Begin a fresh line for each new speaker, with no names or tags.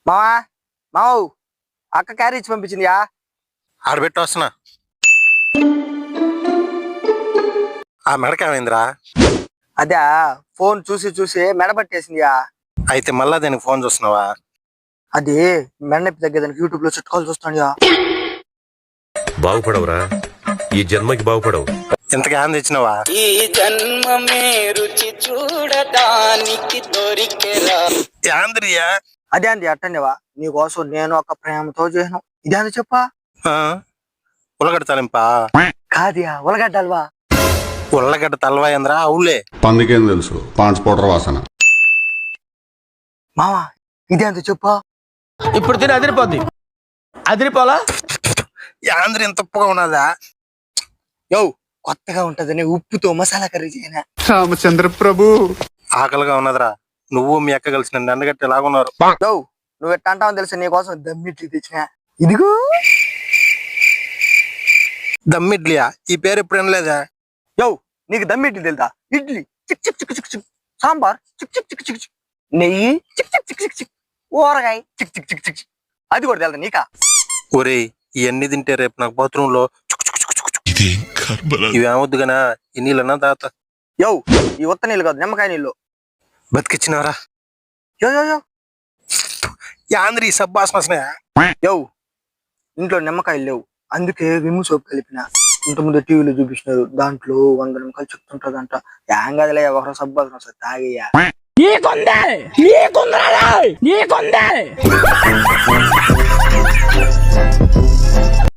మావా మావు అక్క క్యారీ ఇచ్చి పంపించిందియా.
ఆడబెట్టి వస్తున్నా. ఆ మెడకేమైందిరా?
అదే ఫోన్ చూసి చూసి మెడబట్టేసిందియా.
అయితే మళ్ళా దానికి ఫోన్ చూస్తున్నావా?
అది మెడనొప్పి తగ్గేదానికి యూట్యూబ్ లో చుట్టుకోలు చూస్తాను.
బాగుపడవురా, ఈ జన్మకి బాగుపడవు.
ఇంతకీ ఏం తెచ్చినావా?
ఈ జన్మమే రుచి చూడడానికి దొరికెరా.
యాంద్రియా?
అదే అంది అట్టనేవా నీకోసం నేను ఒక ప్రేమతో చేసాను. ఇదే అంది చెప్పా.
ఉల్లగడ్డ తాలింపా?
కాదియా ఉలగడ్డ హల్వా.
ఉల్లగడ్డ తలవా ఏంద్రా? అవులే.
పందికేం తెలుసు, పాంచ్ పౌడర్ వాసన.
మావా ఇదే అంత చెప్పా.
ఇప్పుడు తిని అదిరిపోద్ది. అదిరిపోలా?
యాంద్రి ఇంత ఉప్పుగా ఉన్నదా?
యో కొత్తగా ఉంటదని ఉప్పుతో మసాలా కర్రీ చేయనా.
రామచంద్ర ప్రభు.
ఆకలిగా ఉన్నదిరా. నువ్వు మీ అక్క కలిసి నన్ను ఎండగట్టి ఎలాగున్నారు?
యో నువ్వు ఎట్ట అంటావని తెలుసు నీకోసం దమ్మిట్లు తెచ్చినా. ఇదిగో
దమ్మిడ్లియా? ఈ పేరు ఎప్పుడు వినలేదా?
యో నీకు దమ్మిడ్లీ తెలుదా? ఇడ్లీ చిక్ చిక్ చిక్ చిక్ చిక్, సాంబార్ చిక్ చిక్ చిక్ చిక్ చిక్, నెయ్యి చిక్ చిక్ చిక్ చిక్ చిక్, ఊరగాయ చిక్ చిక్ చిక్ చిక్. అది కూడా తెలుదా నీకా?
ఒరేయ్ ఇవన్నీ తింటే రేపు నాకు బాత్రూమ్ లో ఇవేమొద్దు గనా. ఈ నీళ్ళన్నా తాత.
యో ఈ ఉత్త నీళ్ళు కాదు, నిమ్మకాయ నీళ్ళు.
బతికిచ్చినవరా?
యో యో యో
యాంద్రి సబ్బాసన.
యో ఇంట్లో నిమ్మకాయలు లేవు, అందుకే విమ్ సోప్ కలిపిన. ఇంతకుముందు టీవీలో చూపించినారు, దాంట్లో 100 నిమ్మకాయలు చెప్తుంటదంట. ఏం కదలే ఒకరు సబ్బాసన వస్తుంది తాగయ్యా.
నీకుందే